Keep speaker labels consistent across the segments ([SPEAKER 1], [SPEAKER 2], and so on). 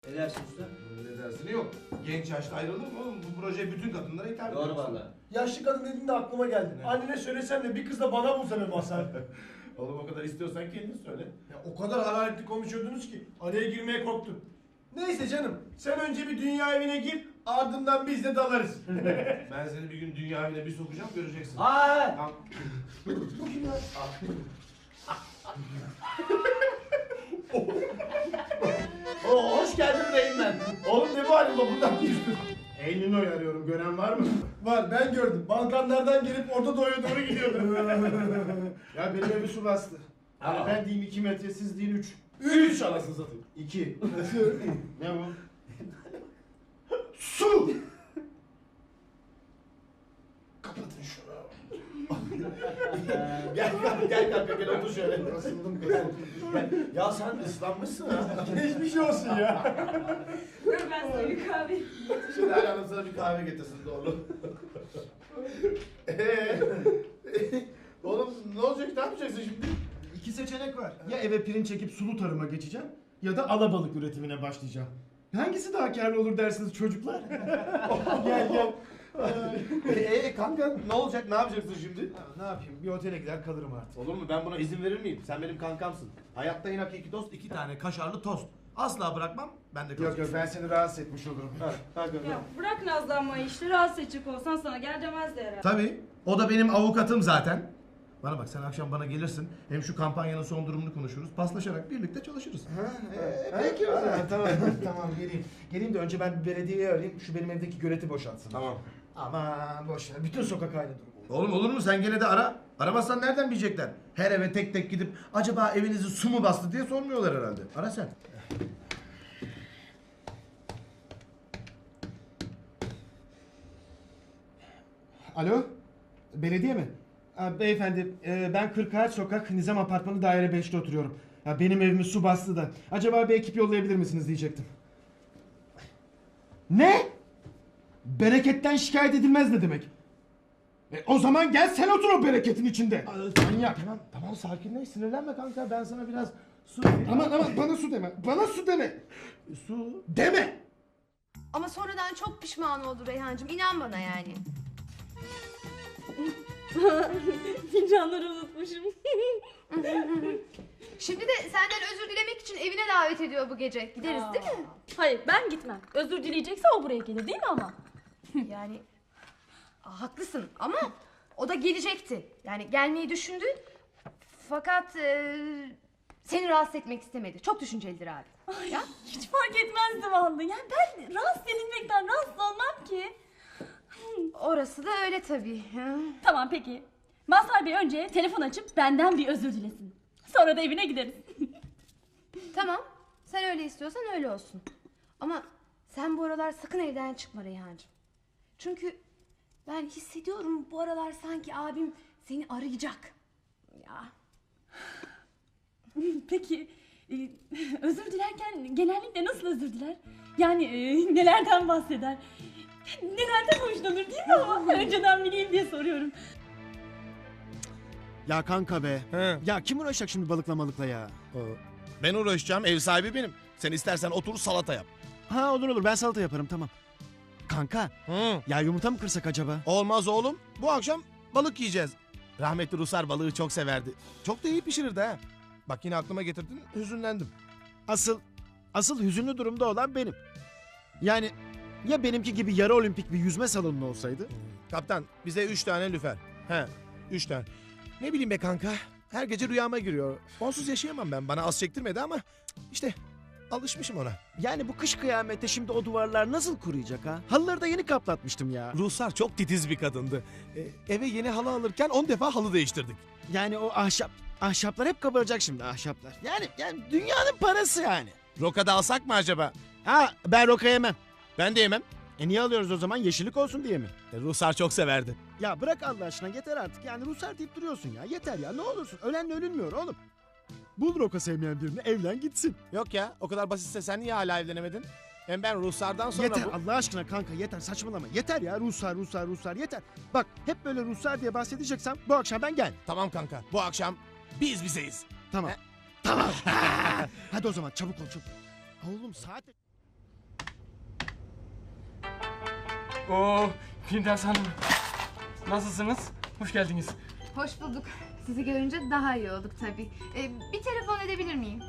[SPEAKER 1] Ne dersin usta?
[SPEAKER 2] Ne dersini yok. Genç yaşta ayrılır mı oğlum? Bu proje bütün kadınlara hitap ediyor.
[SPEAKER 1] Doğru valla.
[SPEAKER 3] Yaşlı kadın dediğinde aklıma geldi.
[SPEAKER 2] Ne?
[SPEAKER 3] Annene söylesen de bir kız da bana bulsa be Mazhar.
[SPEAKER 2] Oğlum o kadar istiyorsan kendin söyle.
[SPEAKER 3] Ya o kadar hararetli konuşuyordunuz ki araya girmeye korktum. Neyse canım, sen önce bir dünya evine gir, ardından biz de dalarız.
[SPEAKER 2] Ben seni bir gün dünya evine bir sokacağım, göreceksin.
[SPEAKER 1] Aa!
[SPEAKER 2] Tamam.
[SPEAKER 3] Bu kim ya? Oo, hoş geldin Reynmen. Oğlum ne bu halin, buradan mı düştün?
[SPEAKER 4] Eylül'ü arıyorum. Gören var mı?
[SPEAKER 3] Var, ben gördüm. Balkanlardan gelip Orta Doğu'ya doğru gidiyordu.
[SPEAKER 4] Ya benim evi su bastı. Yani
[SPEAKER 1] Aa.
[SPEAKER 4] ben diyeyim 2 metre, siz deyin 3.
[SPEAKER 3] 3 anasını satayım.
[SPEAKER 4] 2. Ne bu?
[SPEAKER 3] Su! Kapatın şunu.
[SPEAKER 4] Gel kanka gel otur şöyle. Asıldım kızım. Ya sen ıslanmışsın ha.
[SPEAKER 3] Geçmiş olsun ya.
[SPEAKER 5] Dur ben sana bir kahve.
[SPEAKER 2] Şimdi Hala Hanım sana bir kahve getirsin doğru. Oğlum ne olacak, ne yapacaksın şimdi?
[SPEAKER 4] İki seçenek var. Ya eve pirinç çekip sulu tarıma geçeceğim ya da alabalık üretimine başlayacağım. Hangisi daha karlı olur dersiniz çocuklar? gel.
[SPEAKER 2] Kanka ne olacak, ne yapacaksın şimdi?
[SPEAKER 4] Ya, ne yapayım? Bir otele gider kalırım artık.
[SPEAKER 2] Olur mu? Ben buna izin verir miyim? Sen benim kankamsın. Hayatta en hakiki dost 2 tane kaşarlı tost. Asla bırakmam. Ben de
[SPEAKER 4] Yok ben seni rahatsız etmiş olurum.
[SPEAKER 5] Ya bırak nazlanmayı işte, rahatsız edecek olsan sana gel demezdi herhalde.
[SPEAKER 2] Tabii. O da benim avukatım zaten. Bana bak, sen akşam bana gelirsin. Hem şu kampanyanın son durumunu konuşuruz. Paslaşarak birlikte çalışırız.
[SPEAKER 4] Peki o zaman. Tamam geleyim. Geleyim de önce ben bir belediyeyi arayayım. Şu benim evdeki göleti boşaltsın.
[SPEAKER 2] Tamam.
[SPEAKER 4] Aman boş ver. Bütün sokak aynı durum.
[SPEAKER 2] Oğlum olur mu? Sen gene de ara. Aramazsan nereden bilecekler? Her eve tek tek gidip acaba evinizi su mu bastı diye sormuyorlar herhalde. Ara sen.
[SPEAKER 4] Alo? Belediye mi? Beyefendi ben 40 sokak Nizam Apartmanı daire 5'te oturuyorum. Ya, benim evimi su bastı da. Acaba bir ekip yollayabilir misiniz diyecektim. Ne? Bereketten şikayet edilmez ne demek? O zaman gel sen otur o bereketin içinde. Manyak.
[SPEAKER 2] Tamam sakinleş, sinirlenme kanka. Ben sana biraz su...
[SPEAKER 4] Aman bana su deme. Bana su deme.
[SPEAKER 2] Su...
[SPEAKER 4] Deme.
[SPEAKER 6] Ama sonradan çok pişman oldu Reyhancığım. İnan bana yani.
[SPEAKER 5] Fincanları unutmuşum.
[SPEAKER 6] Şimdi de senden özür dilemek için evine davet ediyor bu gece. Gideriz değil mi?
[SPEAKER 5] Hayır ben gitmem. Özür dileyecekse o buraya gelir değil mi ama?
[SPEAKER 6] Yani haklısın ama o da gelecekti. Yani gelmeyi düşündü. Fakat seni rahatsız etmek istemedi. Çok düşüncelidir abi. Ya?
[SPEAKER 5] Hiç fark etmezdi vallahi. Yani ben rahatsız edilmekten rahatsız olmam ki.
[SPEAKER 6] Orası da öyle tabii. Ha?
[SPEAKER 5] Tamam peki. Mazhar Bey önce telefon açıp benden bir özür dilesin. Sonra da evine gideriz.
[SPEAKER 6] Tamam. Sen öyle istiyorsan öyle olsun. Ama sen bu aralar sakın evden çıkma Reyhancığım. Çünkü ben hissediyorum bu aralar sanki abim seni arayacak. Ya.
[SPEAKER 5] Peki özür dilerken genellikle nasıl özür diler? Yani nelerden bahseder? Nelerden hoşlanır değil mi ama? Önceden bileyim diye soruyorum.
[SPEAKER 4] Ya kanka be.
[SPEAKER 2] He.
[SPEAKER 4] Ya kim uğraşacak şimdi balıkla ya?
[SPEAKER 2] Ben uğraşacağım, ev sahibi benim. Sen istersen otur salata yap.
[SPEAKER 4] Ha olur ben salata yaparım tamam. Kanka
[SPEAKER 2] Hı.
[SPEAKER 4] ya yumurta mı kırsak acaba?
[SPEAKER 2] Olmaz oğlum. Bu akşam balık yiyeceğiz. Rahmetli Rusar balığı çok severdi. Çok da iyi pişirirdi ha. Bak yine aklıma getirdin, hüzünlendim.
[SPEAKER 4] Asıl hüzünlü durumda olan benim. Yani ya benimki gibi yarı olimpik bir yüzme salonu olsaydı?
[SPEAKER 2] Kaptan bize 3 tane lüfer. He 3 tane. Ne bileyim be kanka. Her gece rüyama giriyor. Onsuz yaşayamam ben. Bana az çektirmedi ama işte alışmışım ona.
[SPEAKER 4] Yani bu kış kıyamette şimdi o duvarlar nasıl kuruyacak ha? Halıları da yeni kaplatmıştım ya.
[SPEAKER 2] Rusar çok titiz bir kadındı. Eve yeni halı alırken 10 defa halı değiştirdik.
[SPEAKER 4] Yani o ahşaplar hep kabaracak şimdi ahşaplar. Yani dünyanın parası yani.
[SPEAKER 2] Rokada alsak mı acaba?
[SPEAKER 4] Ha ben roka yemem.
[SPEAKER 2] Ben de yemem.
[SPEAKER 4] Niye alıyoruz o zaman? Yeşillik olsun diye mi?
[SPEAKER 2] Rusar çok severdi.
[SPEAKER 4] Ya bırak Allah aşkına yeter artık. Yani Ruslar deyip duruyorsun ya. Yeter ya ne olursun. Ölenle ölünmüyor oğlum. Bul roka sevmeyen birini evlen gitsin.
[SPEAKER 2] Yok ya, o kadar basitse sen niye hala evlenemedin? Hem ben Ruslardan sonra
[SPEAKER 4] Yeter
[SPEAKER 2] bu...
[SPEAKER 4] Allah aşkına kanka yeter saçmalama. Yeter ya Ruslar yeter. Bak hep böyle Ruslar diye bahsedeceksem bu akşam ben gel.
[SPEAKER 2] Tamam kanka, bu akşam biz bizeyiz.
[SPEAKER 4] Tamam.
[SPEAKER 2] He?
[SPEAKER 4] Tamam. Hadi o zaman çabuk ol çabuk. Oğlum saat...
[SPEAKER 1] Oo, Firdevs Hanım. Nasılsınız? Hoş geldiniz.
[SPEAKER 6] Hoş bulduk. Sizi görünce daha iyi olduk tabii. Bir telefon edebilir miyim?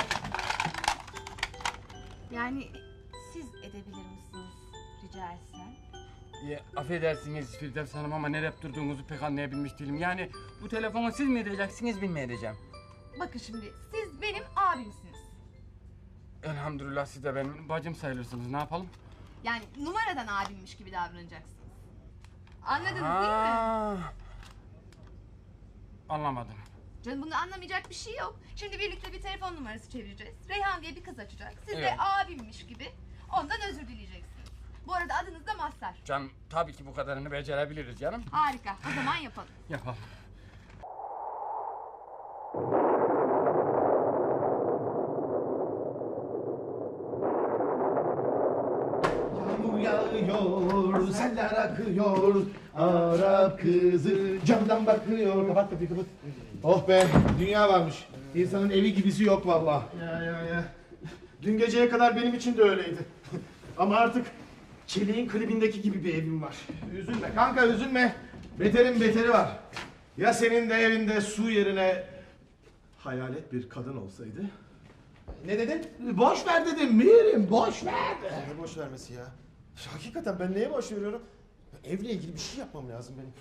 [SPEAKER 6] Yani siz edebilir misiniz rica etsem?
[SPEAKER 1] Affedersiniz Firdevs Hanım ama nereye durduğunuzu pek anlayabilmiş değilim. Yani bu telefonu siz mi edeceksiniz, ben mi edeceğim?
[SPEAKER 6] Bakın şimdi siz benim abimsiniz.
[SPEAKER 1] Elhamdülillah siz de benim bacım sayılırsınız. Ne yapalım?
[SPEAKER 6] Yani numaradan abimmiş gibi davranacaksınız. Anladınız değil mi?
[SPEAKER 1] Anlamadım.
[SPEAKER 6] Canım bunu anlamayacak bir şey yok. Şimdi birlikte bir telefon numarası çevireceğiz. Reyhan diye bir kız açacak. Siz de
[SPEAKER 1] Evet.
[SPEAKER 6] abimmiş gibi ondan özür dileyeceksiniz. Bu arada adınız da Mazhar.
[SPEAKER 1] Canım tabii ki bu kadarını becerebiliriz canım.
[SPEAKER 6] Harika. O zaman yapalım.
[SPEAKER 1] Yapalım.
[SPEAKER 2] Yağmur yağıyor, seller akıyor. Arap kızı camdan bakıyor. Kapat kapıyı kapat. Oh be, dünya varmış. İnsanın evi gibisi yok vallahi.
[SPEAKER 4] Ya. Dün geceye kadar benim için de öyleydi. Ama artık Çelik'in klibindeki gibi bir evim var.
[SPEAKER 2] Üzülme kanka, üzülme. Beterin beteri var. Ya senin de evinde su yerine hayalet bir kadın olsaydı?
[SPEAKER 4] Ne dedin?
[SPEAKER 2] Boş ver dedim Mirim, boş ver.
[SPEAKER 4] Ne boş vermesi ya? Hakikaten ben neye boş veriyorum? Evle ilgili bir şey yapmam lazım benim.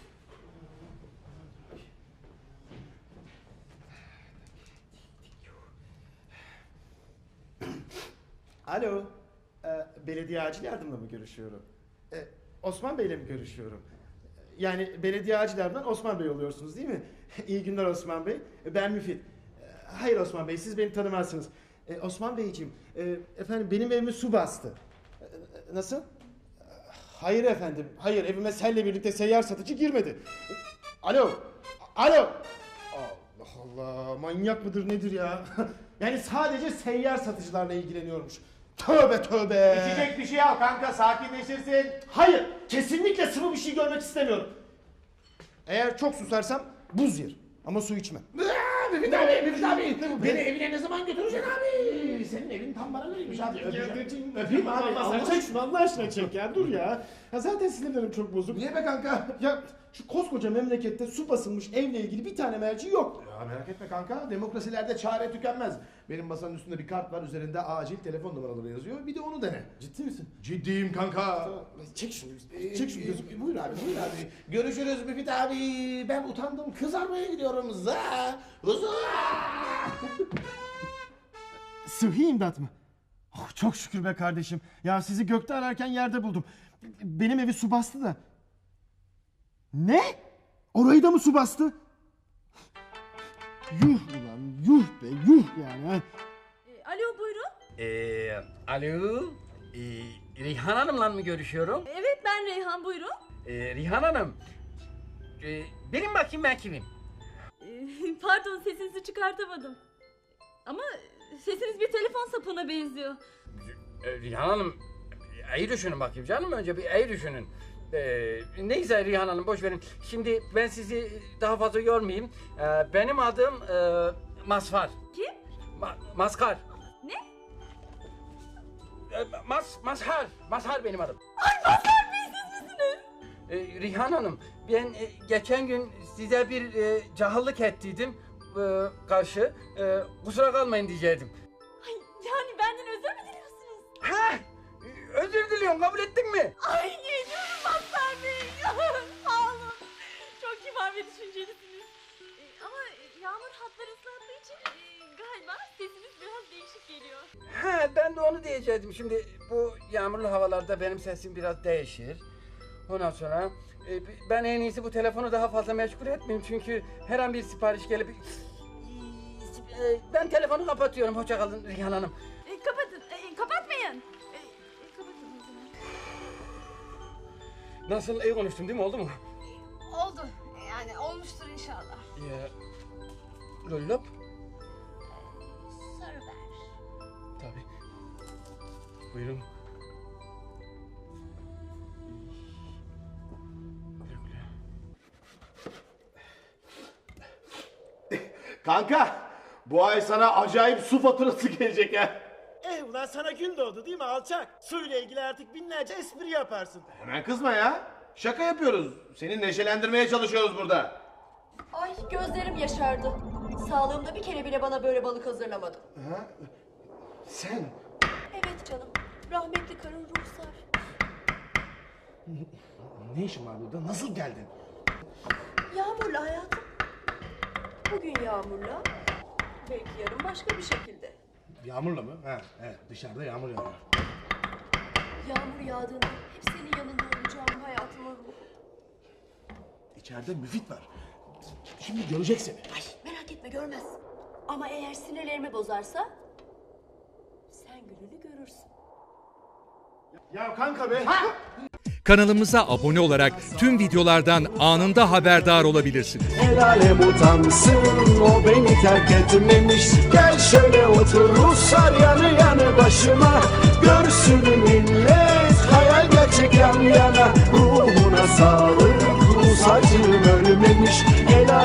[SPEAKER 4] Alo, belediye acil yardımla mı görüşüyorum? Osman Bey'le mi görüşüyorum? Yani belediye acil yardımdan Osman Bey oluyorsunuz değil mi? İyi günler Osman Bey. Ben Müfit. Hayır Osman Bey, siz beni tanımazsınız. Osman Beyciğim, efendim benim evimi su bastı. Nasıl? Hayır efendim, hayır evime selle birlikte seyyar satıcı girmedi. Alo, alo. Allah Allah, manyak mıdır nedir ya? Yani sadece seyyar satıcılarla ilgileniyormuş. Tövbe tövbe.
[SPEAKER 2] İçecek bir şey al kanka, sakinleşirsin.
[SPEAKER 4] Hayır, kesinlikle sıvı bir şey görmek istemiyorum. Eğer çok susarsam buz yer. Ama su içmem.
[SPEAKER 2] Müfit abi. Beni evine ne zaman götüreceksin abi? Senin evin tam bana göreymiş abi. Öpeyim abi.
[SPEAKER 4] Allah çek şunu Allah aşkına çek ya dur ya. Ya zaten sinirlerim çok bozuk.
[SPEAKER 2] Niye be kanka?
[SPEAKER 4] Ya şu koskoca memlekette su basılmış evle ilgili bir tane merci yok.
[SPEAKER 2] Ya merak etme kanka, demokrasilerde çare tükenmez. Benim masanın üstünde bir kart var, üzerinde acil telefon numaraları yazıyor. Bir de onu dene.
[SPEAKER 4] Ciddi misin?
[SPEAKER 2] Ciddiyim kanka.
[SPEAKER 4] Çek şunu. Çek şunu gözüm.
[SPEAKER 2] Buyur abi, buyur abi. Görüşürüz Müfit abi. Ben utandım, kızarmaya gidiyorum.
[SPEAKER 4] Sıhhi imdat mı? Oh, çok şükür be kardeşim. Ya sizi gökte ararken yerde buldum. Benim evi su bastı da. Ne? Orayı da mı su bastı? Yuh ulan yuh be yuh yani. Ha.
[SPEAKER 5] Alo buyurun.
[SPEAKER 1] Alo. Rihan Hanım'la mı görüşüyorum?
[SPEAKER 5] Evet ben Reyhan buyurun.
[SPEAKER 1] Rihan Hanım. Benim bakayım ben kimim?
[SPEAKER 5] Pardon sesinizi çıkartamadım. Ama sesiniz bir telefon sapına benziyor.
[SPEAKER 1] Rihan Hanım. İyi düşünün bakayım canım, önce bir iyi düşünün. Neyse Rihan Hanım boş verin. Şimdi ben sizi daha fazla yormayayım. Benim adım Mazhar.
[SPEAKER 5] Kim?
[SPEAKER 1] Mazhar.
[SPEAKER 5] Ne?
[SPEAKER 1] Mazhar. Mazhar benim adım.
[SPEAKER 5] Ay Mazhar Bey siz misiniz?
[SPEAKER 1] Rihan Hanım, ben geçen gün size bir cahillik ettiydim karşı. Kusura kalmayın diyecektim.
[SPEAKER 5] Ay yani benden özür mü diliyorsunuz?
[SPEAKER 1] Ha, özür diliyorum, kabul ettin mi?
[SPEAKER 5] Ay canım Mazhar Bey. Sağ olun. Çok kibar ve düşüncelisiniz. Ama yağmur hatları ıslattığı için galiba sesiniz biraz değişik geliyor.
[SPEAKER 1] Ha, ben de onu diyecektim. Şimdi bu yağmurlu havalarda benim sesim biraz değişir. Ondan sonra ben en iyisi bu telefonu daha fazla meşgul etmeyeyim. Çünkü her an bir sipariş gelip... Ben telefonu kapatıyorum. Hoşça kalın Rihan Hanım.
[SPEAKER 5] Kapatın. Kapatmayın. Kapatın o zaman.
[SPEAKER 1] Nasıl, iyi konuştum değil mi? Oldu mu?
[SPEAKER 6] Oldu. Yani olmuştur inşallah.
[SPEAKER 1] Lollop?
[SPEAKER 6] Soru ver.
[SPEAKER 1] Tabii. Buyurun. Güle güle.
[SPEAKER 2] Kanka, bu ay sana acayip su faturası gelecek ha.
[SPEAKER 4] Ulan Vallahi sana gün doğdu değil mi alçak? Suyla ilgili artık binlerce espri yaparsın.
[SPEAKER 2] Hemen kızma ya. Şaka yapıyoruz. Seni neşelendirmeye çalışıyoruz burada.
[SPEAKER 7] Ay gözlerim yaşardı. Sağlığımda bir kere bile bana böyle balık hazırlamadı.
[SPEAKER 2] Ha? Sen?
[SPEAKER 7] Evet canım. Rahmetli karın Ruhsar.
[SPEAKER 2] Ne işin var burada? Nasıl geldin?
[SPEAKER 7] Yağmurla hayatım. Bugün yağmurla. Belki yarın başka bir şekilde.
[SPEAKER 2] Yağmurla mı? Ha, evet. Dışarıda yağmur yağıyor.
[SPEAKER 7] Yağmur yağdığında hep senin yanında olacağım hayatımın ruhu.
[SPEAKER 2] İçeride Müfit var. Şimdi görecek seni.
[SPEAKER 7] Ay merak etme görmez. Ama eğer sinirlerimi bozarsa sen gününü görürsün.
[SPEAKER 4] Ya kanka be.
[SPEAKER 8] Kanalımıza abone olarak tüm videolardan anında haberdar olabilirsiniz.
[SPEAKER 9] El alem utansın, o beni terk etmemiş. Gel şöyle otur Ruslar yanı yanı başıma. Görsün millet hayal gerçek yan yana. Ruhuna sağlık, Rus acım ölmemiş.